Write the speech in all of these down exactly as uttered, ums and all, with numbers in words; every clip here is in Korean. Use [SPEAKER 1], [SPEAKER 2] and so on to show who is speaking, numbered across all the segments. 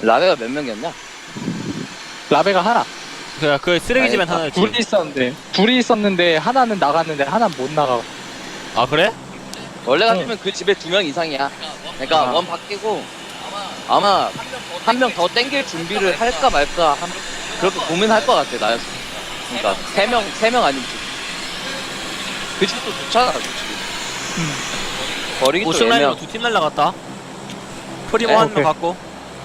[SPEAKER 1] 라베가 몇 명이었냐?
[SPEAKER 2] 라베가 하나.
[SPEAKER 3] 그, 그 쓰레기집엔
[SPEAKER 1] 아니,
[SPEAKER 3] 하나였지.
[SPEAKER 2] 둘이 있었는데 둘이 있었는데 하나는 나갔는데 하나는 못 나가.
[SPEAKER 3] 아, 그래?
[SPEAKER 1] 원래
[SPEAKER 2] 응.
[SPEAKER 1] 같으면 그 집에 두 명 이상이야. 그러니까
[SPEAKER 2] 아.
[SPEAKER 1] 원 바뀌고 아마 한 명 더 땡길 준비를 할까 말까 한, 그렇게 고민할 것 같아 나였어. 그러니까 세 명 세 명 아니면 두- 그 집도 좋잖아 솔직히.
[SPEAKER 2] 음.
[SPEAKER 1] 버리기 또
[SPEAKER 3] 오승라인으로
[SPEAKER 1] 애매하고.
[SPEAKER 3] 두 팀 날라갔다. 프리모
[SPEAKER 1] 네,
[SPEAKER 3] 한 명
[SPEAKER 2] 오케이.
[SPEAKER 3] 갖고.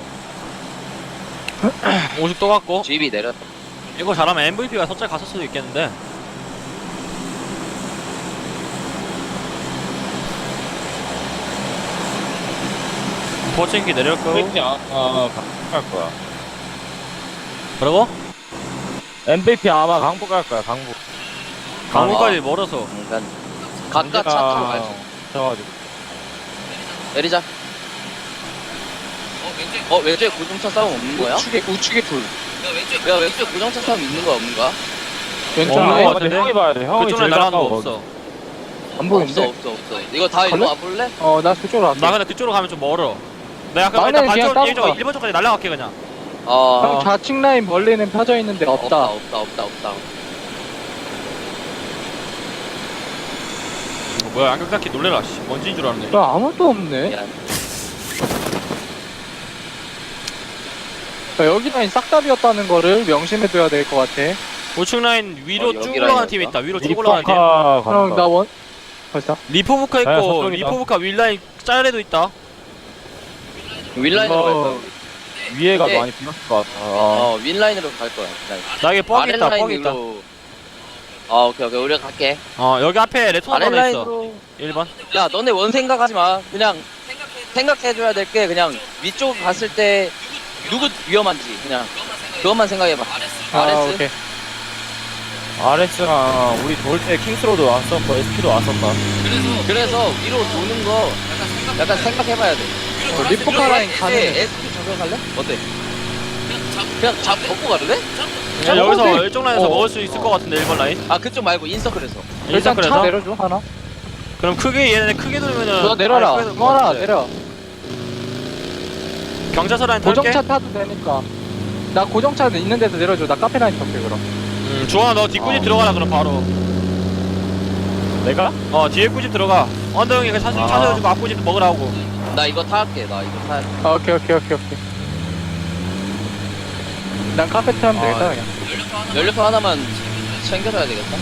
[SPEAKER 3] 오십 또 갖고.
[SPEAKER 1] 집이 내렸다.
[SPEAKER 3] 이거 잘하면 엠브이피가 서짤 갔을 수도 있겠는데. 포칭기 내렸고.
[SPEAKER 4] 엠브이피 아, 아 강북 갈 거야.
[SPEAKER 3] 그리고
[SPEAKER 4] 엠브이피 아마 강북 갈 거야. 강북.
[SPEAKER 3] 강북까지 멀어서.
[SPEAKER 1] 그러니까 각각 차 타고 가야지.
[SPEAKER 4] 져가지고.
[SPEAKER 1] 내리자. 어 왼쪽에 고정차 싸움 없는 거야?
[SPEAKER 2] 우측에 우측에 둘.
[SPEAKER 1] 야 왼쪽에 고정차 싸움 있는 거야 없는 거야?
[SPEAKER 2] 왼쪽
[SPEAKER 3] 없는
[SPEAKER 2] 라인
[SPEAKER 3] 거
[SPEAKER 4] 어,
[SPEAKER 3] 같은데?
[SPEAKER 4] 형이 봐야 돼. 형이
[SPEAKER 3] 그쪽에
[SPEAKER 4] 제일
[SPEAKER 3] 날아가는 거
[SPEAKER 4] 가까워.
[SPEAKER 3] 없어.
[SPEAKER 2] 안
[SPEAKER 1] 없어
[SPEAKER 2] 보이는데?
[SPEAKER 1] 없어 없어. 이거 다 일로
[SPEAKER 2] 갈래?
[SPEAKER 1] 와볼래?
[SPEAKER 2] 어, 나 그쪽으로 갈게.
[SPEAKER 3] 나 근데 그쪽으로 가면 좀 멀어. 내가 아까
[SPEAKER 2] 나는
[SPEAKER 3] 일단
[SPEAKER 2] 그냥
[SPEAKER 3] 반쪽
[SPEAKER 2] 따로 가.
[SPEAKER 3] 일 번 쪽까지 날라갈게 그냥.
[SPEAKER 1] 어
[SPEAKER 2] 형 좌측 라인 멀리는 펴져 있는데
[SPEAKER 1] 없다
[SPEAKER 2] 없다.
[SPEAKER 1] 없다 없다 없다.
[SPEAKER 3] 어, 뭐야 안경 닦기 놀래라. 씨. 뭔지인 줄 알았네.
[SPEAKER 2] 야, 아무도 없네.
[SPEAKER 1] 미안.
[SPEAKER 2] 야, 여기 라인 싹 다 비었다는 거를 명심해둬야 될 것 같아.
[SPEAKER 3] 우측 라인 위로
[SPEAKER 1] 어,
[SPEAKER 3] 쭉
[SPEAKER 1] 여기
[SPEAKER 3] 올라가는
[SPEAKER 1] 라인이었어?
[SPEAKER 3] 팀 있다. 위로 쭉 올라가는 팀.
[SPEAKER 4] 리포카
[SPEAKER 2] 형,
[SPEAKER 4] 간다.
[SPEAKER 2] 나 원. 벌써?
[SPEAKER 3] 리포브카
[SPEAKER 4] 야,
[SPEAKER 3] 있고
[SPEAKER 4] 저쪽이다.
[SPEAKER 3] 리포브카 윗라인 짤에도 있다.
[SPEAKER 1] 윈라인으로 갈
[SPEAKER 4] 이거
[SPEAKER 1] 거야.
[SPEAKER 4] 위에가
[SPEAKER 1] 네.
[SPEAKER 4] 많이 비었을 것 같아. 아.
[SPEAKER 1] 어 윈라인으로 갈 거야. 윈라인.
[SPEAKER 3] 나에게 뻑이 있다. 뻑이 있다.
[SPEAKER 1] 아랫라인으로. 아 오케이 오케이 우리가 갈게.
[SPEAKER 3] 어 여기 앞에 레토나 하나 있어.
[SPEAKER 1] 아랫라인으로.
[SPEAKER 3] 일 번.
[SPEAKER 1] 야 너네 원 생각하지 마. 그냥 생각해줘야 될 게 그냥 위쪽 갔을 때 누구 위험한지 그냥 그것만 생각해봐.
[SPEAKER 2] 아,
[SPEAKER 1] 아레스.
[SPEAKER 2] 오케이.
[SPEAKER 4] 아레스랑 우리 돌 때 킹스로드 왔었고 에스피도 왔었다.
[SPEAKER 1] 그래서 위로 도는 거 약간 생각해봐야 돼.
[SPEAKER 2] 어, 리포카 라인 가는.
[SPEAKER 1] 에스피 적용할래? 어때? 그냥 잡 벗고 가도 돼?
[SPEAKER 3] 야,
[SPEAKER 2] 어,
[SPEAKER 3] 여기서
[SPEAKER 2] 근데-
[SPEAKER 3] 일정 라인에서
[SPEAKER 2] 어.
[SPEAKER 3] 먹을 수 있을 것 같은데 일 번 라인.
[SPEAKER 1] 아 그쪽 말고 인서클에서.
[SPEAKER 2] 일단 차
[SPEAKER 3] 그래서
[SPEAKER 2] 내려줘 하나.
[SPEAKER 3] 그럼 크게 얘네 크게 돌면은
[SPEAKER 2] 너 내려라.
[SPEAKER 3] 아예 크게 돌
[SPEAKER 2] 너 하나
[SPEAKER 3] 것 같은데.
[SPEAKER 2] 내려.
[SPEAKER 3] 경자서 라인 탈게.
[SPEAKER 2] 고정차 타도 되니까. 나 고정차 있는 데도 내려줘. 나 카페 라인 탈게 그럼.
[SPEAKER 3] 음, 주원아 너 뒷구집
[SPEAKER 4] 아.
[SPEAKER 3] 들어가라 그럼 바로.
[SPEAKER 4] 내가?
[SPEAKER 3] 어 뒤에 구집 들어가. 언더 형이 그 차세
[SPEAKER 4] 아.
[SPEAKER 3] 차 세워주고 앞구집 먹으라고.
[SPEAKER 1] 나 이거 타할게. 나 이거 타.
[SPEAKER 2] 아, 오케이 오케이 오케이 오케이. 난 카페 타면
[SPEAKER 3] 아,
[SPEAKER 2] 되겠다 그냥.
[SPEAKER 1] 연료통 하나만 챙겨줘야 되겠다.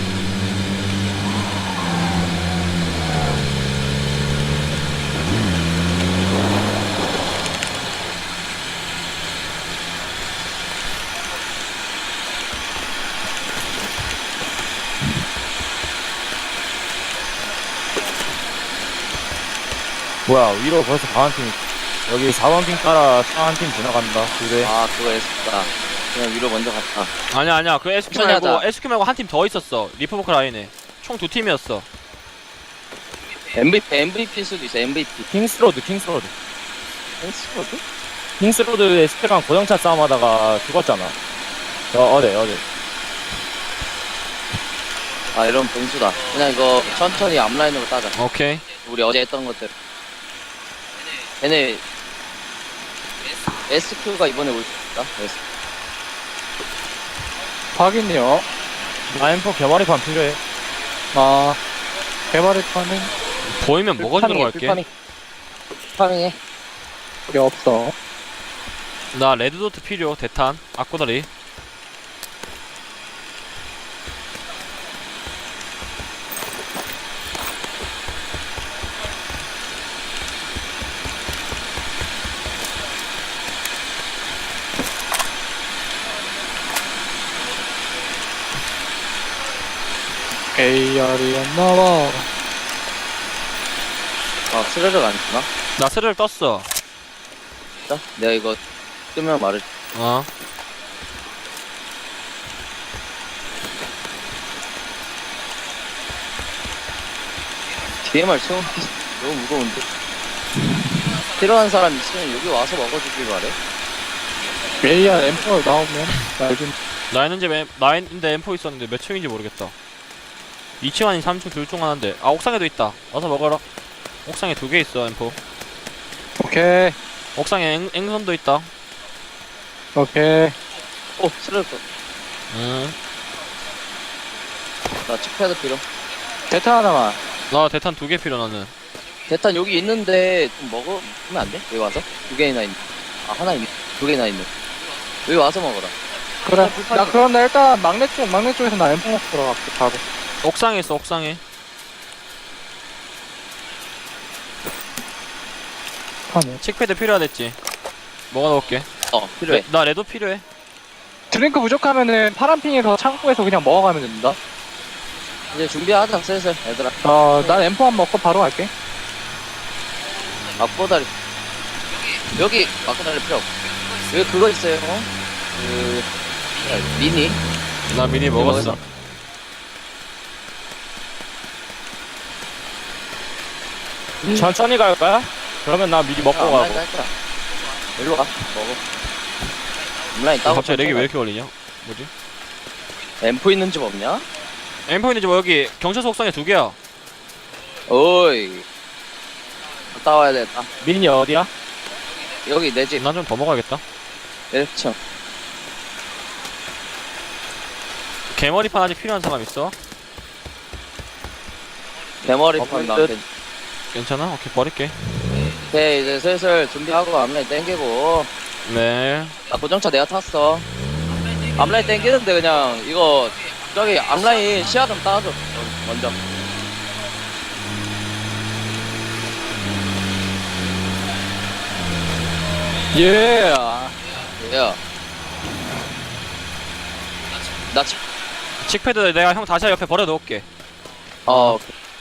[SPEAKER 4] 뭐야 위로 벌써 강한 팀. 여기 사 번 핑 따라 차 한 팀 지나간다. 그래.
[SPEAKER 1] 아 그거 에스피다. 그냥 위로 먼저 갔다.
[SPEAKER 3] 아니야 아니야 그 에스큐
[SPEAKER 1] 천천히
[SPEAKER 3] 말고
[SPEAKER 1] 하자.
[SPEAKER 3] 에스큐 말고 한 팀 더 있었어. 리퍼버크 라인에 총 두 팀이었어.
[SPEAKER 1] 엠브이피 엠브이피일 수도 있어. 엠브이피.
[SPEAKER 4] 킹스로드 킹스로드.
[SPEAKER 1] 킹스로드?
[SPEAKER 4] 킹스로드 에스피랑 고정차 싸움하다가 죽었잖아. 어 어제 어제.
[SPEAKER 1] 아 이런 변수다. 그냥 이거 천천히 앞라인으로 따자.
[SPEAKER 3] 오케이.
[SPEAKER 1] 우리 어제 했던 것대로. 얘네 에스큐가 이번에 올 수 있다. 에스-
[SPEAKER 2] 확인요.
[SPEAKER 4] 나 엠포 개머리판 필요해.
[SPEAKER 2] 아, 개발했다는
[SPEAKER 3] 보이면 먹어주는 거 할게.
[SPEAKER 1] 파밍. 파밍해.
[SPEAKER 2] 게 없어.
[SPEAKER 3] 나 레드도트 필요. 대탄 악고다리.
[SPEAKER 2] 에이알이었나봐.
[SPEAKER 1] 아 스르륵 안 주나?
[SPEAKER 3] 나 스르륵 떴어.
[SPEAKER 1] 자, 내가 이거 뜨면 말을.
[SPEAKER 3] 어.
[SPEAKER 1] 디엠알 채우는 게 너무 무거운데. 필요한 사람 있으면 여기 와서 먹어주길 바래.
[SPEAKER 2] 에이알 엠퍼 나오면 말 좀.
[SPEAKER 3] 나 있는 집에 나 있는데 엠포 있었는데 몇 층인지 모르겠다. 이 층 아닌 삼 층 둘 중 하나인데. 아 옥상에도 있다. 와서 먹어라. 옥상에 두 개 있어 엠포.
[SPEAKER 2] 오케이.
[SPEAKER 3] 옥상에 앵, 앵선도 있다.
[SPEAKER 2] 오케이.
[SPEAKER 1] 오 쓰레기.
[SPEAKER 3] 음.
[SPEAKER 1] 나 칙패드 필요.
[SPEAKER 2] 대타 하나만.
[SPEAKER 3] 나 대탄 두 개 필요 나는.
[SPEAKER 1] 대탄 여기 있는데 좀 먹으면 안 돼? 여기 와서? 두 개나 있네. 아 하나 있네. 두 개나 있네. 여기 와서 먹어라.
[SPEAKER 2] 그래. 나 그럼 나 일단 막내 쪽, 막내 쪽에서 나 엠포 먹고 들어갈게, 바로.
[SPEAKER 3] 옥상에 있어 옥상에.
[SPEAKER 2] 하네.
[SPEAKER 3] 칙패드 필요하댔지. 뭐가 넣을게.
[SPEAKER 1] 어 필요해.
[SPEAKER 3] 레, 나 레도 필요해.
[SPEAKER 2] 드링크 부족하면은 파란핑에서 창고에서 그냥 먹어가면 된다.
[SPEAKER 1] 이제 준비하자 슬슬 얘들아.
[SPEAKER 2] 어, 난 엠포 한 먹고 바로 갈게.
[SPEAKER 1] 막보다리. 여기 막보다리 필요 없고. 여기 그거 있어요. 어? 그 미니.
[SPEAKER 3] 나 미니 먹었어.
[SPEAKER 4] 천천히 갈 거야? 그러면 나 미리 먹고
[SPEAKER 1] 아,
[SPEAKER 4] 가고.
[SPEAKER 1] 온라인 깔 거야. 일로 가. 먹어. 온라인 따고.
[SPEAKER 3] 갑자기 렉이 왜 이렇게 걸리냐? 뭐지?
[SPEAKER 1] 엠포 있는 집 없냐?
[SPEAKER 3] 엠포 있는지 뭐 여기 경찰서 옥상에 두 개야.
[SPEAKER 1] 어이. 갔다 와야 되겠다.
[SPEAKER 4] 민이 어디야?
[SPEAKER 1] 여기 내 집.
[SPEAKER 3] 난 좀 더 먹어야겠다.
[SPEAKER 1] 일 층.
[SPEAKER 3] 개머리판 아직 필요한 사람 있어?
[SPEAKER 1] 대머리판
[SPEAKER 4] 어,
[SPEAKER 1] 나한테.
[SPEAKER 3] 괜찮아? 오케이 버릴게.
[SPEAKER 1] 오케이 이제 슬슬 준비하고 앞라인 땡기고.
[SPEAKER 3] 네.
[SPEAKER 1] 나 고정차 내가 탔어. 앞라인 땡기는데 그냥 이거 저기 앞라인 시야 좀 따줘. 먼저.
[SPEAKER 2] 예.
[SPEAKER 1] 야. 나 집.
[SPEAKER 3] 칙패드 내가 형 다시 옆에 버려 놓을게.
[SPEAKER 1] 어.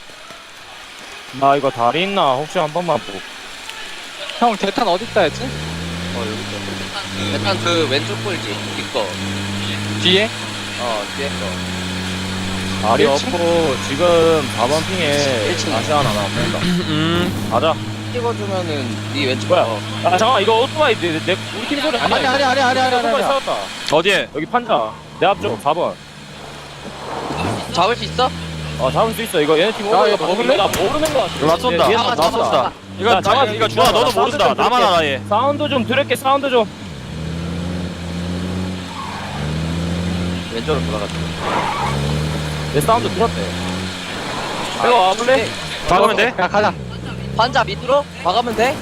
[SPEAKER 4] 나 이거 다리 있나? 혹시 한 번만 보고.
[SPEAKER 2] 형, 대탄 어딨다 했지?
[SPEAKER 1] 어 여기 있어. 일단 그 왼쪽 꼴지. 이거.
[SPEAKER 2] 뒤에?
[SPEAKER 1] 어 뒤에 거.
[SPEAKER 4] 다리
[SPEAKER 2] 일 층?
[SPEAKER 4] 없고 지금 사 번 핑에
[SPEAKER 1] 일 층.
[SPEAKER 4] 다시 하나 나온다.
[SPEAKER 3] 음.
[SPEAKER 4] 가자.
[SPEAKER 1] 찍어주면은 네 왼쪽.
[SPEAKER 4] 뭐야?
[SPEAKER 1] 어.
[SPEAKER 4] 아 잠깐 이거 오토바이 내, 내 우리 팀 소리 아니야?
[SPEAKER 2] 아니, 아니, 아니, 아니, 아니, 아니,
[SPEAKER 4] 오토바이
[SPEAKER 2] 아니.
[SPEAKER 4] 세웠다.
[SPEAKER 3] 어디에?
[SPEAKER 4] 여기 판자. 내 앞쪽 사 번.
[SPEAKER 1] 잡을 수 있어?
[SPEAKER 4] 어 잡을 수 있어. 이거 얘네 팀
[SPEAKER 2] 야,
[SPEAKER 4] 오토바이
[SPEAKER 2] 이거 먹을래?
[SPEAKER 4] 나 모르는 거 같아.
[SPEAKER 3] 이거 나 쏜다.
[SPEAKER 4] 얘- 얘
[SPEAKER 1] 잡아,
[SPEAKER 4] 나
[SPEAKER 1] 잡아,
[SPEAKER 4] 쏜다.
[SPEAKER 1] 잡아.
[SPEAKER 3] 이거
[SPEAKER 4] 야,
[SPEAKER 3] 잠깐
[SPEAKER 4] 잠깐,
[SPEAKER 3] 이거 주아 너도
[SPEAKER 4] 사운드
[SPEAKER 3] 모른다.
[SPEAKER 4] 좀
[SPEAKER 3] 나만
[SPEAKER 4] 들을게.
[SPEAKER 3] 알아 얘.
[SPEAKER 4] 사운드 좀 들을게. 사운드 좀.
[SPEAKER 1] 왼쪽으로 돌아갔다.
[SPEAKER 4] 내 사운드 들었대. 이거 와볼래?
[SPEAKER 3] 박으면 돼?
[SPEAKER 2] 야, 가자.
[SPEAKER 1] 환자 밑으로 박으면 돼?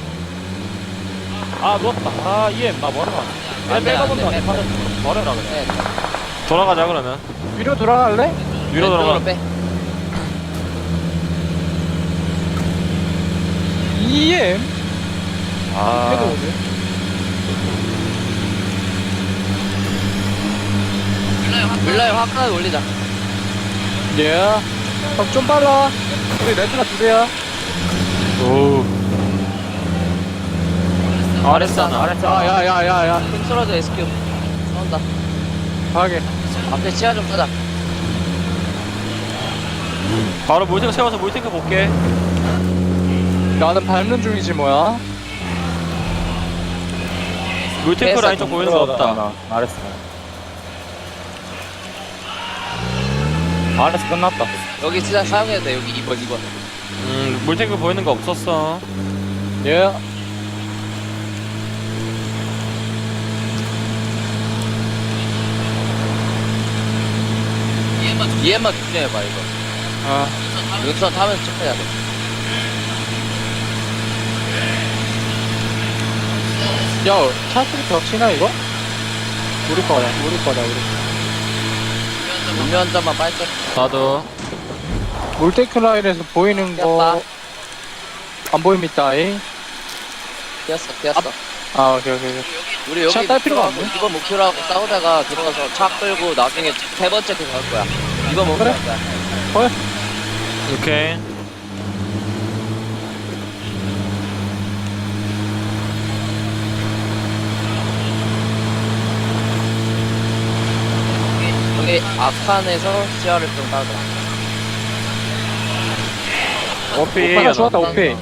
[SPEAKER 4] 아 누웠다. 아 이엠 나 뭐하러 가? 내
[SPEAKER 1] 안 돼, 안 돼,
[SPEAKER 4] 백업은
[SPEAKER 1] 안 돼.
[SPEAKER 4] 안 버려라 그래.
[SPEAKER 1] 네.
[SPEAKER 3] 돌아가자 그러면.
[SPEAKER 2] 위로 돌아갈래?
[SPEAKER 3] 위로 돌아가.
[SPEAKER 1] 빼.
[SPEAKER 2] 이엠?
[SPEAKER 4] 아
[SPEAKER 2] 해도 오지.
[SPEAKER 1] 밀라에 화끈하게 올리자.
[SPEAKER 2] 예. 형, 좀 빨라. 우리 레트나 두 대야.
[SPEAKER 3] 오. 아랫사나.
[SPEAKER 2] 야, 야, 야, 야, 야.
[SPEAKER 1] 힘 쓰러져 에스큐. 싸운다.
[SPEAKER 2] 가게.
[SPEAKER 1] 앞에 치아 좀 끄자.
[SPEAKER 3] 바로 물탱크 세워서 물탱크 볼게.
[SPEAKER 2] 나는 밟는 중이지, 뭐야.
[SPEAKER 3] 물탱크 라인 쪽 보이는 거 없다.
[SPEAKER 4] 알았어. 알았어 끝났다.
[SPEAKER 1] 여기 진짜 사용해도 돼. 여기 이 번, 이 번.
[SPEAKER 3] 음 물탱크 보이는 거 없었어.
[SPEAKER 2] 예.
[SPEAKER 1] 이엠만 조심해봐, 이거.
[SPEAKER 2] 아.
[SPEAKER 1] 능선 타면서 체크해야 돼.
[SPEAKER 2] 야, 차스리 벽치나, 이거? 우리 거야, 우리 거다, 우리 거.
[SPEAKER 1] 음료 한 잔만 빨게.
[SPEAKER 3] 나도.
[SPEAKER 2] 몰테크 라인에서 보이는
[SPEAKER 1] 꼈다.
[SPEAKER 2] 거. 안 보입니다, 이.
[SPEAKER 1] 뛰었어, 뛰었어.
[SPEAKER 2] 아, 오케이, 오케이, 오케이.
[SPEAKER 1] 우리 여기
[SPEAKER 2] 샷딸 필요가 없네.
[SPEAKER 1] 이번 목표로 하고 싸우다가 들어가서 차 끌고 나중에 세 번째 팀 갈 거야. 이번 목표
[SPEAKER 2] 그래?
[SPEAKER 1] 할 거야.
[SPEAKER 3] 오케이.
[SPEAKER 1] 여기 아칸에서 시야를 좀 따자.
[SPEAKER 3] 오피.
[SPEAKER 2] 하나 좋았다, 오페이.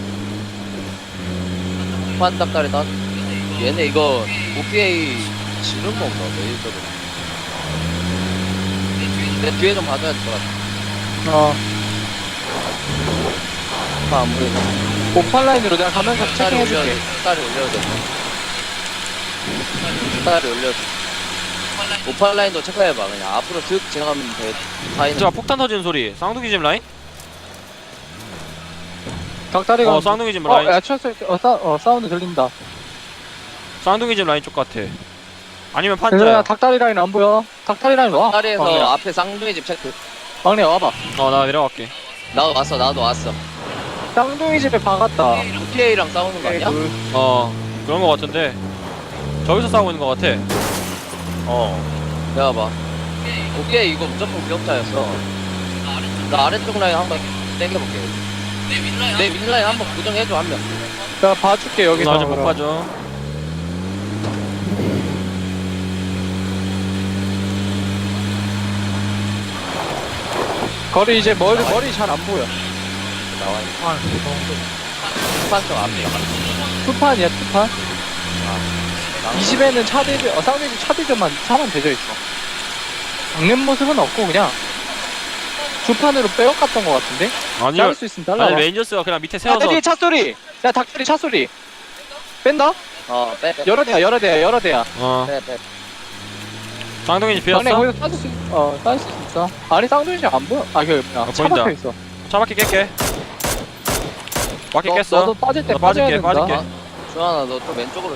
[SPEAKER 1] 후한 닭다리 따. 얘네 이거 오피에이 지는 건가? 메이저로. 내 뒤에 좀 봐줘야 될 것 같아.
[SPEAKER 2] 어.
[SPEAKER 1] 아, 안 보이네.
[SPEAKER 2] 오팔 라인으로 내가 가면서
[SPEAKER 1] 딸이 올려야 돼.
[SPEAKER 2] 체킹해줄게.
[SPEAKER 1] 딸이 올려야 돼. 스타일을 올려서 오팔 라인도 체크해봐. 그냥 앞으로 슥 지나가면 돼. 다이는
[SPEAKER 3] 자 폭탄 터지는 소리. 쌍둥이 집 라인?
[SPEAKER 2] 닭다리가
[SPEAKER 3] 어 쌍둥이 집
[SPEAKER 2] 어,
[SPEAKER 3] 라인.
[SPEAKER 2] 야, 쳤을 때, 어, 사, 어, 사운드 들린다.
[SPEAKER 3] 쌍둥이 집 라인 쪽 같아. 아니면
[SPEAKER 2] 얘들아,
[SPEAKER 3] 판자야.
[SPEAKER 2] 닭다리 라인 안 보여? 닭다리 라인 와.
[SPEAKER 1] 다리에서
[SPEAKER 2] 막내야.
[SPEAKER 1] 앞에 쌍둥이 집 체크.
[SPEAKER 2] 막내 와봐.
[SPEAKER 3] 어 나 내려갈게.
[SPEAKER 1] 나도 왔어, 나도 왔어.
[SPEAKER 2] 쌍둥이 집에 박았다.
[SPEAKER 1] 피에이랑 싸우는 거 아니야?
[SPEAKER 2] 둘.
[SPEAKER 3] 어 그런 거 같은데 저기서 싸우고 있는 거 같아.
[SPEAKER 4] 어.
[SPEAKER 1] 내가 봐. 오케이, 이거 무조건 기억자였어. 나 아래쪽 라인 한번 땡겨볼게. 내 윗라인 한번 고정해줘, 한 명.
[SPEAKER 2] 나 봐줄게, 여기서.
[SPEAKER 3] 나 아직 못
[SPEAKER 2] 그럼.
[SPEAKER 3] 봐줘.
[SPEAKER 2] 거리 이제 머리, 머리 잘 안 보여.
[SPEAKER 1] 나와 있어. 수판쪽 앞에.
[SPEAKER 2] 투판이야, 투판. 이 집에는 차들, 어, 쌍둥이 집 차들만, 차만 대져 있어. 박는 모습은 없고, 그냥. 주판으로 빼앗갔던 것 같은데?
[SPEAKER 3] 아니
[SPEAKER 2] 자를 수 있으면 잘라.
[SPEAKER 3] 아니 레인저스가 그냥 밑에
[SPEAKER 2] 야,
[SPEAKER 3] 세워서
[SPEAKER 2] 뒤에 차 소리! 야, 닭소리, 차 소리! 뺀다?
[SPEAKER 1] 어, 빼, 빼.
[SPEAKER 2] 여러 대야, 여러 대야, 여러 대야.
[SPEAKER 3] 어
[SPEAKER 1] 빼, 빼.
[SPEAKER 3] 쌍둥이 집
[SPEAKER 2] 막내
[SPEAKER 3] 비었어?
[SPEAKER 2] 거기서 따질 수, 어, 따질 수 있어. 아니, 쌍둥이 안 보여. 아, 그, 뭐야.
[SPEAKER 3] 어,
[SPEAKER 2] 차
[SPEAKER 3] 보인다.
[SPEAKER 2] 박혀 있어.
[SPEAKER 3] 차바퀴 깰게. 바퀴
[SPEAKER 2] 너,
[SPEAKER 3] 깼어.
[SPEAKER 2] 너도 빠질 때
[SPEAKER 3] 나
[SPEAKER 2] 빠져야
[SPEAKER 3] 빠질게,
[SPEAKER 2] 된다.
[SPEAKER 3] 빠질게.
[SPEAKER 1] 주환아, 너 좀 왼쪽으로.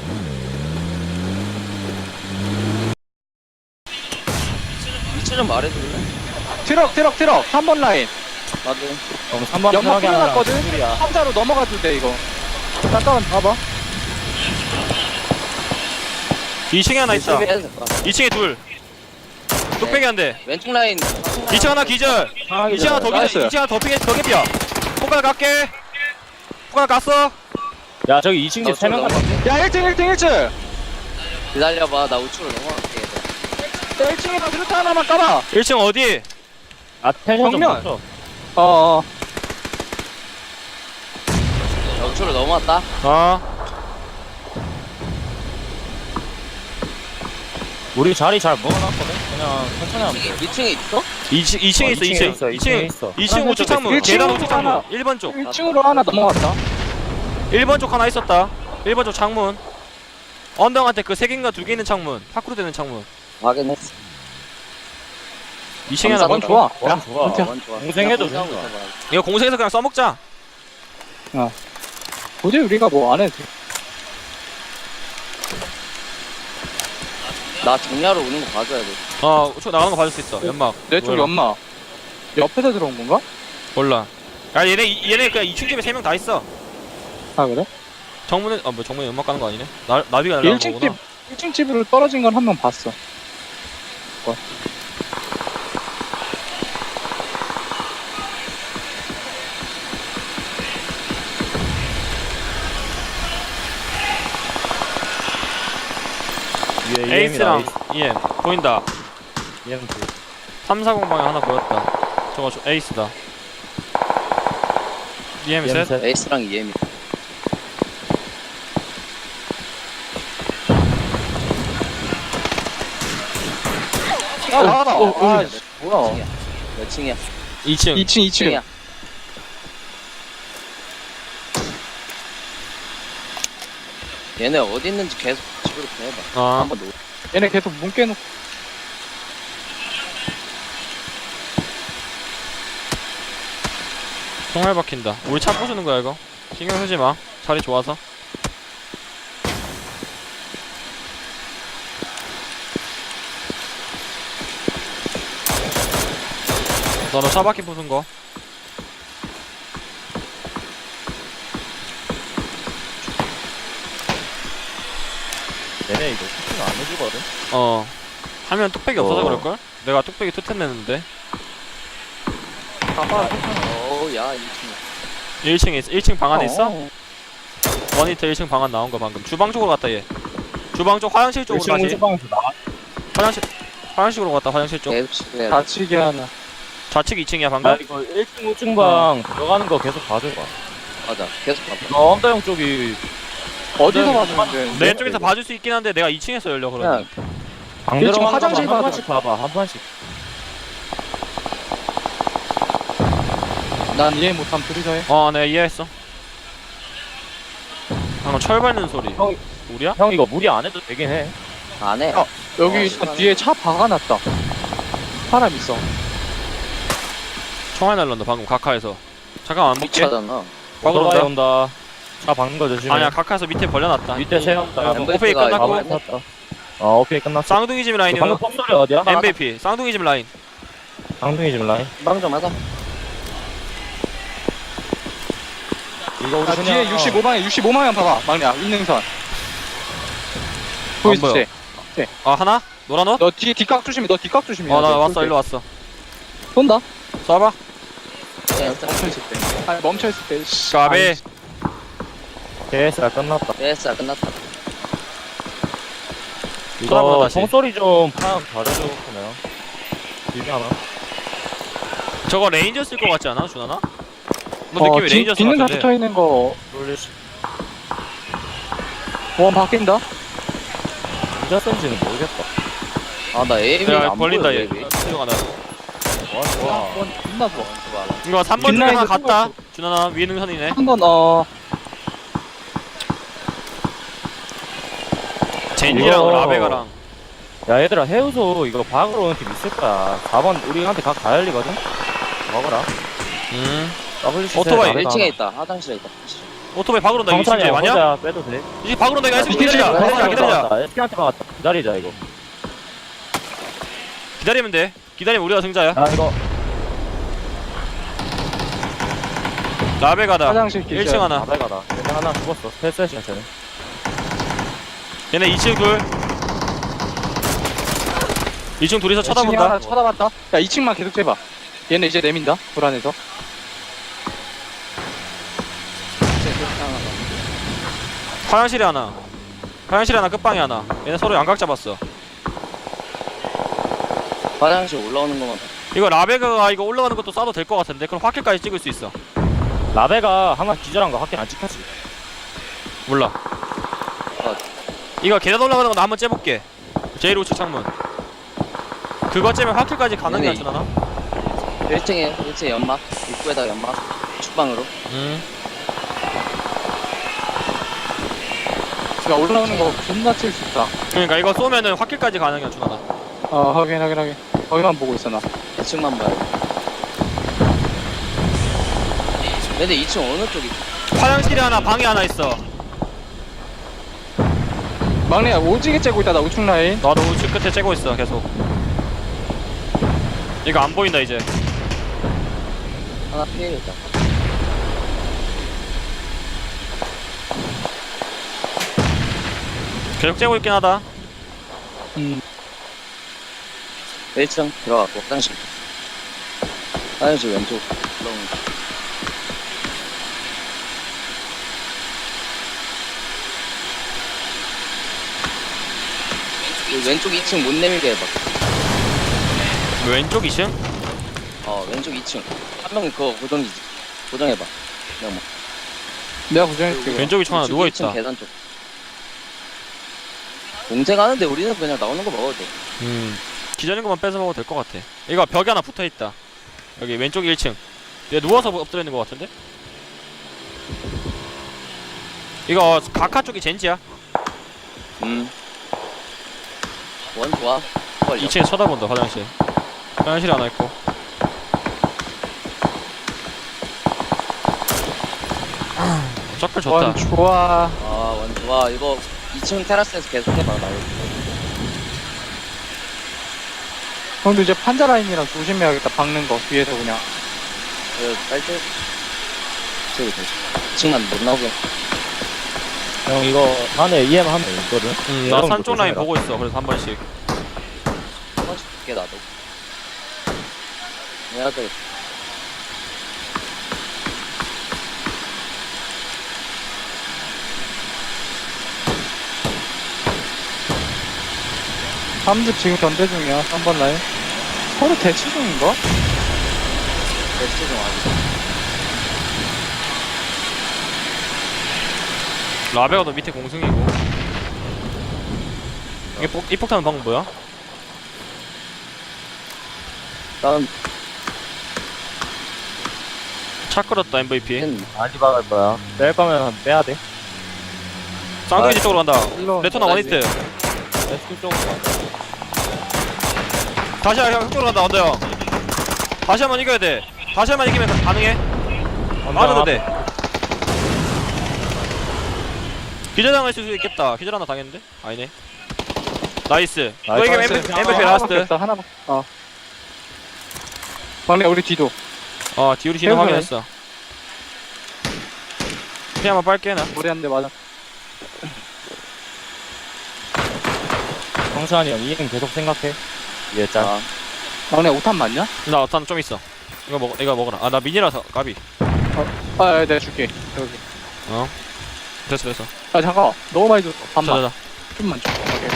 [SPEAKER 1] 위치 좀 말해줄래?
[SPEAKER 2] 트럭, 트럭, 트럭. 삼 번 라인.
[SPEAKER 1] 나도.
[SPEAKER 4] 그럼 삼 번
[SPEAKER 2] 연막
[SPEAKER 4] 편하게 하나.
[SPEAKER 2] 끊어놨거든?
[SPEAKER 4] 둘이야.
[SPEAKER 2] 삼자로 넘어가도 돼, 이거. 잠깐만 봐봐.
[SPEAKER 3] 이 층에 하나 있다.
[SPEAKER 1] 해야 될 것 같아.
[SPEAKER 3] 이 층에 둘. 뚝배기 한 대.
[SPEAKER 1] 왼쪽 라인.
[SPEAKER 3] 이 층 하나 기절. 이 층 하나 더
[SPEAKER 2] 나이스.
[SPEAKER 3] 기절. 이 층 하나 더 피게 더 개피야. 포괄 갈게. 포괄 갔어.
[SPEAKER 4] 야, 저기 이 층 집
[SPEAKER 1] 어,
[SPEAKER 4] 세 명
[SPEAKER 1] 저기
[SPEAKER 4] 같은데?
[SPEAKER 2] 야, 일 층, 일 층, 일 층!
[SPEAKER 1] 기다려봐, 나 우측으로 넘어갈게.
[SPEAKER 2] 야, 일 층에다 드루타 하나만 까봐!
[SPEAKER 3] 일 층 어디?
[SPEAKER 4] 아, 텐션 좀
[SPEAKER 2] 정면.
[SPEAKER 4] 낮춰.
[SPEAKER 2] 어어.
[SPEAKER 1] 나 우측으로 넘어왔다.
[SPEAKER 3] 아
[SPEAKER 4] 우리 자리 잘 먹어놨거든? 그냥 천천히 하면 돼.
[SPEAKER 1] 이 층에 있어?
[SPEAKER 3] 이 층 이 층에
[SPEAKER 4] 어,
[SPEAKER 3] 있어 이
[SPEAKER 4] 이 층에
[SPEAKER 3] 층.
[SPEAKER 4] 있어,
[SPEAKER 3] 이
[SPEAKER 4] 이 층에
[SPEAKER 3] 층
[SPEAKER 4] 있어.
[SPEAKER 3] 이 층
[SPEAKER 2] 하나
[SPEAKER 3] 우측
[SPEAKER 2] 더
[SPEAKER 3] 창문.
[SPEAKER 2] 일
[SPEAKER 3] 계단
[SPEAKER 2] 층으로
[SPEAKER 3] 우측 창문.
[SPEAKER 2] 하나.
[SPEAKER 3] 일 번 쪽.
[SPEAKER 2] 일 층으로 하나 넘어갔다.
[SPEAKER 3] 일 번 쪽 하나 있었다. 일 번 쪽 창문. 언덕한테 그 세 개인가 두 개 있는 창문. 파크로 되는 창문.
[SPEAKER 1] 확인했어.
[SPEAKER 3] 이 층에 하나
[SPEAKER 2] 원
[SPEAKER 1] 감사합니다.
[SPEAKER 3] 더.
[SPEAKER 2] 좋아. 야,
[SPEAKER 4] 원 좋아.
[SPEAKER 2] 진짜.
[SPEAKER 1] 원 좋아.
[SPEAKER 4] 공생해도
[SPEAKER 1] 나 공생하고
[SPEAKER 4] 좋아.
[SPEAKER 1] 있어봐.
[SPEAKER 3] 이거 공생해서 그냥 써먹자.
[SPEAKER 2] 굳이 우리가 뭐 안 해도 돼.
[SPEAKER 1] 나 정리하러 오는 거 봐줘야 돼.
[SPEAKER 3] 어 우측 나가는 거 봐줄 수 있어. 연막.
[SPEAKER 2] 내쪽
[SPEAKER 3] 뭐야?
[SPEAKER 2] 연마. 옆에서 들어온 건가?
[SPEAKER 3] 몰라. 야 얘네 이- 얘네 그냥 이 층 집에 세 명 다 있어.
[SPEAKER 2] 아, 그래?
[SPEAKER 3] 정문에 아뭐 정문에 연막 가는 거 아니네? 나 나비가 날라간
[SPEAKER 2] 일 층
[SPEAKER 3] 거구나.
[SPEAKER 2] 집, 일 층 집으로 떨어진 건 한 명 봤어.
[SPEAKER 4] 위에
[SPEAKER 3] 에이스랑 이엠 보인다.
[SPEAKER 4] 이엠
[SPEAKER 3] 삼사공 방에 하나 보였다. 저거 저 에이스다. 이엠 셋.
[SPEAKER 4] 셋.
[SPEAKER 1] 에이스랑 이엠이.
[SPEAKER 2] 아, 나와라.
[SPEAKER 1] 어,
[SPEAKER 2] 아,
[SPEAKER 1] 몇
[SPEAKER 2] 씨, 뭐야.
[SPEAKER 1] 층이야? 몇 층이야?
[SPEAKER 3] 이 층.
[SPEAKER 2] 이 층, 이 층.
[SPEAKER 1] 층이야. 얘네 어디 있는지 계속 집으로 보내봐.
[SPEAKER 3] 아
[SPEAKER 1] 한번 놓.
[SPEAKER 2] 얘네 계속 문 깨놓고.
[SPEAKER 3] 총알 박힌다. 우리 차 부수는 거야 이거. 신경 쓰지 마. 자리 좋아서. 너는 차 바퀴 부순 거.
[SPEAKER 4] 얘네 이거 쿠킹 안 해주거든?
[SPEAKER 3] 어. 하면 뚝배기 없어서
[SPEAKER 4] 어.
[SPEAKER 3] 그럴걸? 내가 뚝배기 투텐 냈는데.
[SPEAKER 2] 가봐.
[SPEAKER 1] 어우, 야, 이 층.
[SPEAKER 3] 일 층에 있어. 일 층 방 안에 있어?
[SPEAKER 2] 어.
[SPEAKER 3] 원히트 일 층 방 안 나온 거 방금. 주방 쪽으로 갔다 얘. 주방 쪽 화장실 쪽으로
[SPEAKER 4] 일 층
[SPEAKER 3] 다시.
[SPEAKER 4] 우주방에서 나와.
[SPEAKER 3] 화장실 화장실로 갔다 화장실 쪽.
[SPEAKER 1] 계속 집에.
[SPEAKER 2] 다치게 하나.
[SPEAKER 3] 좌측 이 층이야 방금.
[SPEAKER 4] 아, 이거 일 층 우측방 들어가는 거 계속 봐줘봐.
[SPEAKER 1] 맞아. 계속 가봐.
[SPEAKER 4] 너 언더형 쪽이
[SPEAKER 2] 어디서
[SPEAKER 4] 네.
[SPEAKER 2] 봤는데?
[SPEAKER 3] 내 쪽에서 봐줄 수 있긴 한데 내가 이 층에서 열려 그러니.
[SPEAKER 1] 그냥
[SPEAKER 4] 방
[SPEAKER 2] 일 층
[SPEAKER 4] 들어가는
[SPEAKER 2] 화장실
[SPEAKER 4] 거한
[SPEAKER 2] 봐줘.
[SPEAKER 4] 번씩 봐봐, 한 번씩.
[SPEAKER 2] 난 이해 못함 둘이서 해.
[SPEAKER 3] 어, 내가 이해했어. 방금 철 밟는 소리.
[SPEAKER 4] 형,
[SPEAKER 3] 우리야?
[SPEAKER 4] 형 이거 무리 안 해도 되긴 해.
[SPEAKER 1] 안 해.
[SPEAKER 2] 어, 여기
[SPEAKER 1] 어,
[SPEAKER 2] 일단 뒤에 차 박아놨다. 사람 있어.
[SPEAKER 3] 총알 날란다 방금 카카에서. 잠깐만 안 볼게.
[SPEAKER 1] 미쳐잖아.
[SPEAKER 3] 박으러
[SPEAKER 4] 오토바이
[SPEAKER 3] 온다.
[SPEAKER 4] 온다. 차 박는 거 조심해.
[SPEAKER 3] 아니야 카카에서 밑에 벌려놨다.
[SPEAKER 4] 밑에 세웠다.
[SPEAKER 3] 어,
[SPEAKER 1] 엠브이피가
[SPEAKER 3] 오페이 끝났고.
[SPEAKER 1] 이거
[SPEAKER 4] 아, 어 오케이 끝났어.
[SPEAKER 3] 쌍둥이 집
[SPEAKER 4] 그
[SPEAKER 3] 라인이요.
[SPEAKER 4] 방금 폭소리 어디야?
[SPEAKER 3] 엠브이피 쌍둥이 집 라인.
[SPEAKER 4] 쌍둥이 집 라인.
[SPEAKER 1] 빵 좀 하자.
[SPEAKER 4] 이거 우리
[SPEAKER 2] 아,
[SPEAKER 4] 그냥
[SPEAKER 2] 뒤에 육십오 방향, 육십오 방향 봐봐. 막내야, 윈능선. 보이지?
[SPEAKER 3] 보여. 아 하나? 노란 옷?
[SPEAKER 2] 너 뒤에 뒷각 조심해, 너 뒷각 조심해.
[SPEAKER 3] 어 나 왔어 일로 왔어.
[SPEAKER 2] 쏜다?
[SPEAKER 3] 쏴봐.
[SPEAKER 2] 멈춰있을 때. 아니, 멈춰있을 때. 씨.
[SPEAKER 3] 까비.
[SPEAKER 2] 아이,
[SPEAKER 4] 케이에스가 끝났다.
[SPEAKER 1] 예스, 끝났다.
[SPEAKER 3] 쳐다보자
[SPEAKER 4] 이거
[SPEAKER 3] 다시.
[SPEAKER 4] 총소리 좀 파악 잘해줘 그냥. 길게 하나?
[SPEAKER 3] 저거 레인저스일 것 같지 않아 준하나? 너
[SPEAKER 2] 어,
[SPEAKER 3] 느낌이
[SPEAKER 2] 뒤-
[SPEAKER 3] 레인저스
[SPEAKER 2] 뒷능선
[SPEAKER 3] 같은데.
[SPEAKER 2] 붙어있는 거,
[SPEAKER 4] 돌리시.
[SPEAKER 2] 보험 바뀐다?
[SPEAKER 4] 진짜 센지는 모르겠다.
[SPEAKER 1] 아, 나 에임이
[SPEAKER 3] 야
[SPEAKER 1] 안
[SPEAKER 3] 벌린다
[SPEAKER 1] 보여.
[SPEAKER 3] 얘.
[SPEAKER 1] 왜?
[SPEAKER 3] 수정 하나.
[SPEAKER 4] 와 좋아.
[SPEAKER 2] 한번 존나 좋아.
[SPEAKER 3] 이거 삼 번 중에
[SPEAKER 2] 뒷라인도
[SPEAKER 3] 하나 갔다.
[SPEAKER 2] 뚫었어.
[SPEAKER 3] 준하나 위에 능선이네.
[SPEAKER 2] 한번 어,
[SPEAKER 3] 젠지랑
[SPEAKER 4] 이거-
[SPEAKER 3] 라베가랑.
[SPEAKER 4] 야 얘들아 해우소 이거 박으러 오는 팀 있을 거야. 사 번 우리한테 각 다 열리거든? 먹어라.
[SPEAKER 3] 음.
[SPEAKER 4] 더블유씨
[SPEAKER 3] 오토바이
[SPEAKER 1] 일 층에 있다. 화장실에 있다.
[SPEAKER 3] 오토바이 박으러 온다. 이거
[SPEAKER 4] 성찬이
[SPEAKER 3] 진짜 맞냐?
[SPEAKER 4] 혼자 빼도 돼?
[SPEAKER 3] 이제 박으러 온다. 이거 에스피
[SPEAKER 2] 이게
[SPEAKER 3] 기다리자.
[SPEAKER 2] 지금
[SPEAKER 3] 기다리자. 기다리자.
[SPEAKER 4] 에스피한테 박았다. 기다리자 이거.
[SPEAKER 3] 기다리면 돼. 기다리면 우리가 승자야.
[SPEAKER 4] 야 이거
[SPEAKER 3] 라베가다.
[SPEAKER 2] 화장실 기절.
[SPEAKER 3] 일 층 하나.
[SPEAKER 4] 나배가다. 얘네 하나 죽었어. 패스해션 쟤네.
[SPEAKER 3] 얘네 이 층 둘. 이 층 둘이서
[SPEAKER 2] 이 층에
[SPEAKER 3] 쳐다본다.
[SPEAKER 2] 하나 쳐다봤다. 야, 이 층만 계속 재봐. 얘네 이제 내민다. 불안해서.
[SPEAKER 3] 화장실에 하나. 화장실에 하나 끝방에 하나. 얘네 서로 양각 잡았어.
[SPEAKER 1] 화장실 올라오는 것만 봐.
[SPEAKER 3] 이거 라베가가 이거 올라가는 것도 쏴도 될 것 같은데 그럼 화킬까지 찍을 수 있어.
[SPEAKER 4] 라베가 하나 기절한 거 확인 안 찍혔지.
[SPEAKER 3] 몰라. 이거 계단 올라가는 거 나 한번 째볼게. 제일 우측 창문. 그거 째면 화킬까지 가능해
[SPEAKER 1] 네네.
[SPEAKER 3] 하나?
[SPEAKER 1] 일 층에, 일 층에 연막. 입구에다 연막. 축방으로.
[SPEAKER 3] 음.
[SPEAKER 2] 야, 올라오는 거 존나 칠 수 있다.
[SPEAKER 3] 그러니까 이거 쏘면은 화킬까지 가능해 준하나.
[SPEAKER 2] 어, 확인, 확인, 확인. 거기만 보고 있어, 나.
[SPEAKER 1] 이 층만 봐요. 근데 이 층 어느 쪽이?
[SPEAKER 3] 화장실에 하나 방에 하나 있어.
[SPEAKER 2] 막내야, 오지게 째고 있다, 나 우측 라인.
[SPEAKER 3] 나도 우측 끝에 째고 있어 계속. 이거 안 보인다 이제.
[SPEAKER 1] 하나 피해야겠다.
[SPEAKER 3] 계속 째고 있긴 하다.
[SPEAKER 2] 음.
[SPEAKER 1] 일 층 들어갔고, 화장실. 화장실 왼쪽. 올라오는 거. 이 왼쪽 이 층 못 내밀게 해봐.
[SPEAKER 3] 왼쪽 이 층?
[SPEAKER 1] 어, 왼쪽 이 층. 한 명이 그거 고정이지. 고정해봐. 그냥 뭐.
[SPEAKER 2] 내가 부정할게.
[SPEAKER 3] 왼쪽 이 층 하나
[SPEAKER 1] 우측
[SPEAKER 3] 누워
[SPEAKER 1] 일 층
[SPEAKER 3] 있다.
[SPEAKER 1] 계단 쪽. 공생하는데 우리는 그냥 나오는 거 먹어도 돼.
[SPEAKER 3] 음. 기다린 것만 뺏어 먹어도 될 것 같아. 이거 벽에 하나 붙어 있다. 여기 왼쪽 일 층. 얘 누워서 엎드려 있는 것 같은데? 이거 가카 쪽이 젠지야.
[SPEAKER 1] 음. 원 좋아. 걸려.
[SPEAKER 3] 이 층에 쳐다본다 화장실. 화장실에 하나 있고. 짝per 좋다.
[SPEAKER 2] 원, 좋아.
[SPEAKER 1] 아, 원 좋아. 이거 이 층 테라스에서 계속 해봐. 나 이거.
[SPEAKER 2] 형도 이제 판자 라인이랑 조심해야겠다, 박는 거. 뒤에서 그냥.
[SPEAKER 1] 이거 빨대. 저기 되지. 이 층만 못 나오게.
[SPEAKER 4] 형 이거 안에 이엠 한 명 있거든.
[SPEAKER 3] 음, 나
[SPEAKER 4] 여러분도
[SPEAKER 3] 산 쪽 라인
[SPEAKER 4] 조심해라.
[SPEAKER 3] 보고 있어. 그래서 한 번씩.
[SPEAKER 1] 한 번씩 볼게, 나도. 해야 되겠다.
[SPEAKER 2] 삼 집 지금 견제 중이야, 삼 번 라인. 서로 대치 중인가?
[SPEAKER 1] 베스트 좀 아직.
[SPEAKER 3] 라베가 너 밑에 공승이고. 이게 폭, 이 폭탄은 방금 뭐야?
[SPEAKER 1] 다음,
[SPEAKER 3] 차 끌었다 엠브이피.
[SPEAKER 1] 는
[SPEAKER 4] 많이 박을 거야. 뺄 거면 빼야 돼.
[SPEAKER 3] 쌍둥이 쪽으로 간다.
[SPEAKER 2] 일로.
[SPEAKER 3] 레토나
[SPEAKER 1] 어,
[SPEAKER 3] 원히트.
[SPEAKER 4] 에스큐 쪽으로 간다.
[SPEAKER 3] 다시 형 쪽으로 간다. 언더 형. 다시 한번 이겨야 돼. 다시 한번 이기면 가능해. 맞아도 돼. 기절당할 수도 있겠다. 기절 하나 당했는데? 아니네. 나이스. 너 이기면 엠브이피
[SPEAKER 2] 하나밖에
[SPEAKER 3] 라스트.
[SPEAKER 2] 없어, 하나밖에. 어. 막내 우리 뒤도.
[SPEAKER 3] 어, 디오리 진행
[SPEAKER 2] 해보네.
[SPEAKER 3] 확인했어. 피 한번 빨게 나.
[SPEAKER 2] 머리 한 대 맞아.
[SPEAKER 4] 성찬이 형 이행 계속 생각해. 위에 짤.
[SPEAKER 1] 아,
[SPEAKER 2] 막내 오탄 맞냐?
[SPEAKER 3] 나 어탄 좀 있어. 이거 먹, 이거 먹어라. 아, 나 미니라서 까비.
[SPEAKER 2] 아, 아, 내가 줄게. 여기.
[SPEAKER 3] 어. 됐어, 됐어.
[SPEAKER 2] 아, 잠깐. 너무 많이 줬어. 반만.
[SPEAKER 3] 자자자.
[SPEAKER 2] 좀만 줘. 오케이.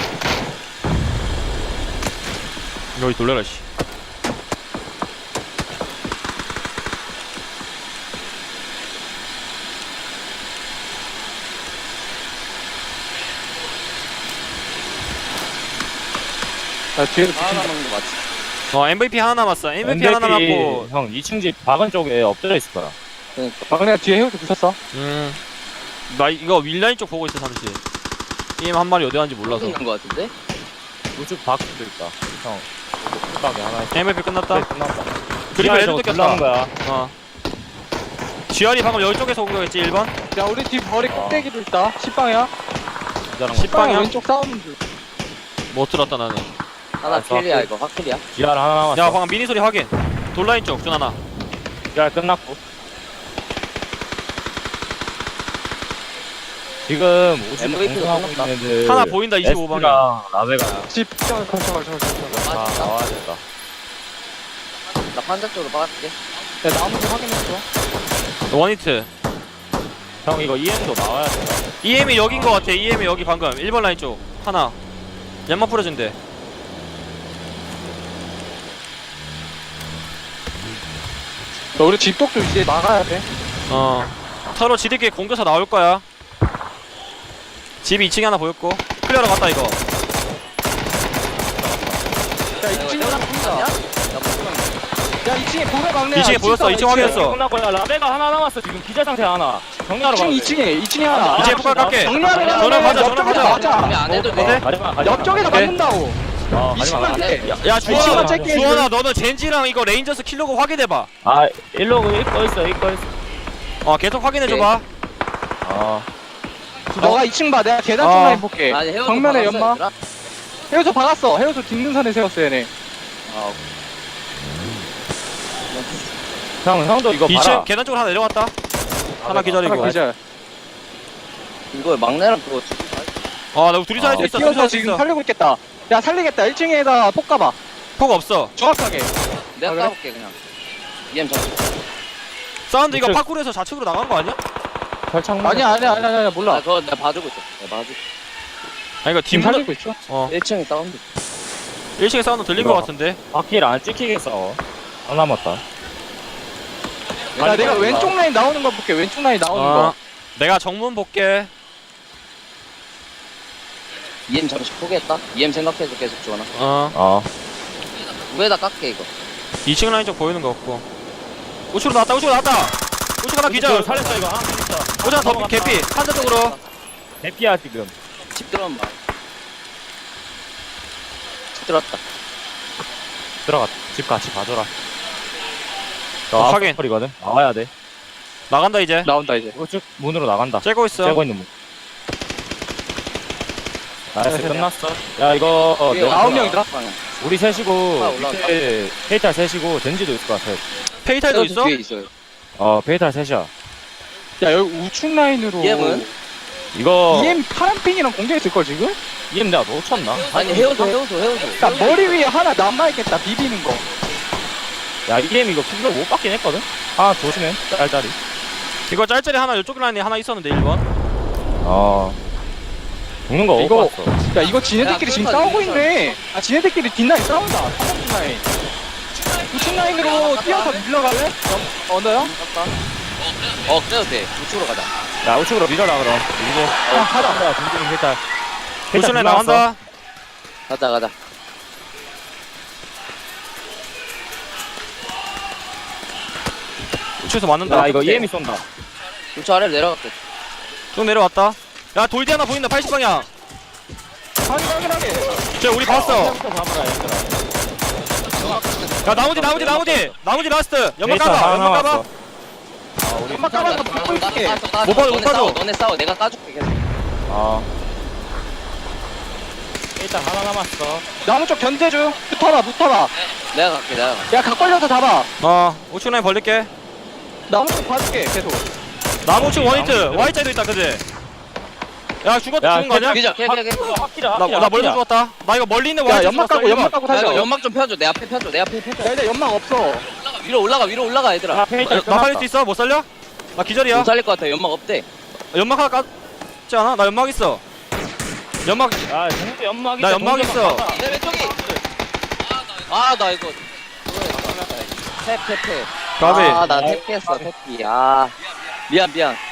[SPEAKER 3] 여기 놀래라 씨.
[SPEAKER 2] 나 뒤에도
[SPEAKER 1] 하나
[SPEAKER 2] 붙인다.
[SPEAKER 1] 남은 거 맞지?
[SPEAKER 3] 어, 엠브이피 하나 남았어. 엠브이피 하나 남았고.
[SPEAKER 4] 형 이 층 집 박은 쪽에 엎드려 있을 거야.
[SPEAKER 1] 그러니까.
[SPEAKER 2] 막내가 뒤에 헤어져 부셨어.
[SPEAKER 3] 음. 나 이거 윌라인 쪽 보고 있어 잠시. 게임 한 마리 어디 갔는지 몰라서.
[SPEAKER 1] 있는 거 같은데?
[SPEAKER 4] 우측 박도 있다. 형. 뚝박에 하나 있어.
[SPEAKER 3] 엠브이피 끝났다.
[SPEAKER 4] 네, 끝났다.
[SPEAKER 3] 그리고 애들
[SPEAKER 4] 저거
[SPEAKER 3] 뜯겼다.
[SPEAKER 4] 둘러온 거야.
[SPEAKER 3] 어. 지알이 방금 여기 쪽에서 온 거겠지 일 번?
[SPEAKER 2] 야, 우리 뒤 머리 꼭대기도 있다. 십방이야.
[SPEAKER 4] 기다란
[SPEAKER 3] 십-
[SPEAKER 4] 거.
[SPEAKER 3] 방향?
[SPEAKER 2] 왼쪽 싸우는 줄.
[SPEAKER 3] 못 들었다 나는.
[SPEAKER 1] 하나
[SPEAKER 4] 아,
[SPEAKER 1] 킬이야,
[SPEAKER 4] 그-
[SPEAKER 1] 이거. 확킬이야.
[SPEAKER 4] 기알 하나 남았어.
[SPEAKER 3] 야 방금 미니 소리 확인. 돌라인 쪽 준 하나.
[SPEAKER 4] 기알 끝났고. 지금 우측
[SPEAKER 1] 엠브이피 가
[SPEAKER 4] 공성하고
[SPEAKER 1] 끝났다.
[SPEAKER 4] 있는 애들.
[SPEAKER 3] 하나 보인다 이십오 방향.
[SPEAKER 4] 에스랑 라베가
[SPEAKER 2] 집, 저, 저, 저, 저, 저, 저.
[SPEAKER 4] 다
[SPEAKER 1] 맞았다.
[SPEAKER 4] 나와야겠다.
[SPEAKER 1] 나 판자 쪽으로 빠질게.
[SPEAKER 2] 야, 나무도 확인했어.
[SPEAKER 3] 원히트.
[SPEAKER 4] 형 이거 이엠도 나와야 돼.
[SPEAKER 3] 이엠이 여긴 거 같아. 이엠이 여기 방금 일 번 라인 쪽 하나. 연막 뿌려준대.
[SPEAKER 2] 야, 우리 집독도 이제 나가야 돼.
[SPEAKER 3] 어. 서로 지들끼리 공격사 나올 거야. 집이 이 층에 하나 보였고. 클리어로 갔다 이거.
[SPEAKER 2] 야, 이 층에 하나 보인다.
[SPEAKER 1] 아니야? 나 무슨
[SPEAKER 2] 야, 이 층에 보여, 막내야.
[SPEAKER 3] 이 층에 보였어, 이 층 확인했어.
[SPEAKER 4] 끝났고 야 라베가 하나 남았어. 지금 기절 상태 하나. 정리하러 가.
[SPEAKER 2] 이 층, 이 층에, 이 층에 하나.
[SPEAKER 3] 이제 폭발 깎게.
[SPEAKER 2] 정리하러 가면
[SPEAKER 3] 전화 가자, 전화
[SPEAKER 2] 옆쪽에서
[SPEAKER 3] 가자.
[SPEAKER 2] 맞아.
[SPEAKER 1] 준비 안 해도 돼.
[SPEAKER 3] 네?
[SPEAKER 4] 가지마 가지마.
[SPEAKER 2] 옆쪽에서
[SPEAKER 3] 오케이.
[SPEAKER 2] 맞는다고.
[SPEAKER 4] 어,
[SPEAKER 2] 이
[SPEAKER 4] 가지마.
[SPEAKER 2] 층만
[SPEAKER 1] 가지마.
[SPEAKER 2] 돼.
[SPEAKER 3] 야
[SPEAKER 2] 이 층만
[SPEAKER 3] 주원아,
[SPEAKER 2] 짧게
[SPEAKER 3] 주원아 너는 젠지랑 이거 레인저스 킬로그 확인해봐.
[SPEAKER 4] 아 일로그 입고 있어 입고 있어.
[SPEAKER 3] 어 계속 확인해줘봐.
[SPEAKER 4] 어.
[SPEAKER 2] 너가 이 층 봐. 내가 계단
[SPEAKER 3] 어.
[SPEAKER 2] 쪽만 해볼게.
[SPEAKER 1] 아니, 헤어져.
[SPEAKER 2] 정면에
[SPEAKER 1] 박았어,
[SPEAKER 2] 연마.
[SPEAKER 1] 얘들아.
[SPEAKER 2] 헤어져 박았어. 헤어져 뒷능선에 세웠어, 얘네.
[SPEAKER 1] 아,
[SPEAKER 4] 형 형도 이거
[SPEAKER 3] 이 층
[SPEAKER 4] 봐라.
[SPEAKER 3] 계단 쪽으로 하나 내려갔다. 하나 기다리고.
[SPEAKER 2] 하나 기절.
[SPEAKER 1] 이거 막내랑 그거
[SPEAKER 3] 아, 나 둘이서 할 수
[SPEAKER 2] 야,
[SPEAKER 3] 있어. 둘이서
[SPEAKER 2] 뛰어서
[SPEAKER 3] 할 수
[SPEAKER 2] 지금
[SPEAKER 3] 있어.
[SPEAKER 2] 살리고 있겠다. 야, 살리겠다. 일 층에다 폭 가봐.
[SPEAKER 3] 폭 없어.
[SPEAKER 2] 정확하게.
[SPEAKER 1] 내가
[SPEAKER 2] 아, 그래?
[SPEAKER 1] 까볼게, 그냥. 이엠 잡
[SPEAKER 3] 사운드 이거
[SPEAKER 4] 우측.
[SPEAKER 3] 파쿠르에서 좌측으로 나간 거 아니야?
[SPEAKER 4] 철창.
[SPEAKER 2] 아니야, 아니야, 아니야, 아니야, 몰라.
[SPEAKER 1] 아, 그거 내가 봐주고 있어. 내가 봐주고.
[SPEAKER 3] 아니 이거
[SPEAKER 2] 지금
[SPEAKER 3] 뒷문
[SPEAKER 2] 살리고 있어.
[SPEAKER 3] 어
[SPEAKER 1] 일 층에 다운돼.
[SPEAKER 3] 일 층에 사운드 들린 거 같은데.
[SPEAKER 4] 바퀴를 안 찍히겠어. 안 남았다.
[SPEAKER 2] 야, 내가 왼쪽 라인 나오는 거 볼게. 왼쪽 라인 나오는
[SPEAKER 3] 어
[SPEAKER 2] 거.
[SPEAKER 3] 내가 정문 볼게.
[SPEAKER 1] 이엠 잠시 포기했다. 이엠 생각해서 계속 주원아.
[SPEAKER 3] 어
[SPEAKER 4] 어.
[SPEAKER 1] 위에다 깎게, 이거.
[SPEAKER 3] 이 층 라인 쪽 보이는 거 없고. 우측으로 나왔다. 우측으로 나왔다. 우측 하나 기절.
[SPEAKER 4] 살렸어 이거. 하나 있어.
[SPEAKER 3] 오장 더 개피. 한자 쪽으로.
[SPEAKER 4] 대피야 지금.
[SPEAKER 1] 집 들어오면 봐. 집 들어왔다.
[SPEAKER 4] 들어가. 집 같이 가줘라.
[SPEAKER 3] 어, 확인.
[SPEAKER 4] 거리거든. 나와야 돼.
[SPEAKER 3] 나간다 이제.
[SPEAKER 2] 나온다, 이제.
[SPEAKER 4] 이거 쭉 문으로 나간다.
[SPEAKER 3] 째고 있어.
[SPEAKER 4] 째고 있는 문. 나이스 끝났어. 야 이거 어,
[SPEAKER 1] 위에
[SPEAKER 4] 내가
[SPEAKER 2] 아홉
[SPEAKER 1] 올라가.
[SPEAKER 2] 명이더라?
[SPEAKER 1] 방향.
[SPEAKER 4] 우리 셋이고
[SPEAKER 1] 아, 올라가.
[SPEAKER 4] 밑에 페이탈 셋이고 젠지도 있을 것 같아.
[SPEAKER 3] 페이탈도 있어?
[SPEAKER 1] 뒤에 있어요.
[SPEAKER 4] 어 페이탈 셋이야.
[SPEAKER 2] 야, 여기 우측 라인으로.
[SPEAKER 1] 이엠은?
[SPEAKER 4] 이거
[SPEAKER 2] 이엠 파란 핑이랑 공개했을걸, 지금?
[SPEAKER 4] 이엠 내가 놓쳤나?
[SPEAKER 1] 아니, 헤어져, 헤어져, 헤어져.
[SPEAKER 2] 야, 머리 위에 하나 남아있겠다, 비비는 거.
[SPEAKER 4] 야 이엠 이거 피부로 못 받긴 했거든. 아 조심해. 짤짤이.
[SPEAKER 3] 이거 짤짤이 하나 이쪽 라인에 하나 있었는데 일 번.
[SPEAKER 4] 어. 죽는 거
[SPEAKER 2] 이거-
[SPEAKER 4] 못 봤어.
[SPEAKER 2] 야, 이거 지네들끼리
[SPEAKER 1] 야,
[SPEAKER 2] 지금
[SPEAKER 1] 그렇다,
[SPEAKER 2] 싸우고
[SPEAKER 1] 이거.
[SPEAKER 2] 있네. 아, 지네들끼리 뒷라인 싸운다. 삼번 뒷라인. 우측 라인으로 뛰어서 밀러갈래? 어, 언더요?
[SPEAKER 1] 어, 그래도 돼. 우측으로 가자.
[SPEAKER 4] 야 우측으로 밀어라 그럼. 이제
[SPEAKER 2] 야, 가자.
[SPEAKER 4] 야 둥둥이 페이탈.
[SPEAKER 3] 우측 라인 나간다.
[SPEAKER 1] 가자, 가자.
[SPEAKER 3] 우측에서 맞는다.
[SPEAKER 4] 야 이거 이엠이 쏜다.
[SPEAKER 1] 우측 아래로 내려갈게.
[SPEAKER 3] 쭉 내려왔다. 야 돌디 하나 보인다 팔십 방향.
[SPEAKER 2] 확인 확인하게.
[SPEAKER 3] 쟤 우리 봤어.
[SPEAKER 4] 부터 잡아라 얘들아.
[SPEAKER 3] 야 나머지 나머지 나머지 나머지 라스트. 연막
[SPEAKER 4] 데이터
[SPEAKER 3] 까봐
[SPEAKER 4] 하나
[SPEAKER 3] 연막 까봐.
[SPEAKER 4] 남았어. 아 우리
[SPEAKER 2] 연막 까봐서 붙고 있을게.
[SPEAKER 1] 까줘, 까줘.
[SPEAKER 3] 못 봐줘, 못
[SPEAKER 1] 너네
[SPEAKER 3] 봐줘.
[SPEAKER 1] 싸워, 너네 싸워. 내가 까줄게 계속.
[SPEAKER 4] 아 일단 하나 남았어.
[SPEAKER 2] 나무 쪽 견제 중. 붙어봐 붙어봐.
[SPEAKER 1] 내가 갈게, 내가 갈게.
[SPEAKER 2] 야 각 벌려서 잡아.
[SPEAKER 3] 어 우측 라인 벌릴게.
[SPEAKER 2] 나무 쪽 봐줄게 계속.
[SPEAKER 3] 나무 우측 원히트 Y자에도 있다 그지? 야 죽었다
[SPEAKER 4] 야,
[SPEAKER 3] 죽은 거 아니야?
[SPEAKER 1] 기자, 걔, 걔, 걔.
[SPEAKER 4] 확실하
[SPEAKER 3] 나, 나 멀리 죽었다. 나 이거 멀리 있는
[SPEAKER 2] 야
[SPEAKER 3] Y자
[SPEAKER 2] 연막 까고 연막 까고
[SPEAKER 1] 야, 이거
[SPEAKER 2] 살려.
[SPEAKER 1] 연막 좀 펴줘. 내 앞에 펴줘. 내 앞에 펴줘.
[SPEAKER 2] 야 이제 연막 없어.
[SPEAKER 1] 위로 올라가, 위로 올라가, 얘들아.
[SPEAKER 4] 앞에 있다.
[SPEAKER 3] 나 살릴 수 있어? 못 살려? 나 기절이야.
[SPEAKER 1] 못 살릴 것 같아. 연막 없대.
[SPEAKER 3] 연막 하나 깠지 않아? 나 연막 있어. 연막
[SPEAKER 4] 아 동주 연막이.
[SPEAKER 3] 나 연막 있어.
[SPEAKER 1] 내 왼쪽이. 아, 나 이거. 탭, 탭, 탭.
[SPEAKER 3] 가비.
[SPEAKER 1] 아, 나 탭했어, 탭이. 아. 미안, 미안.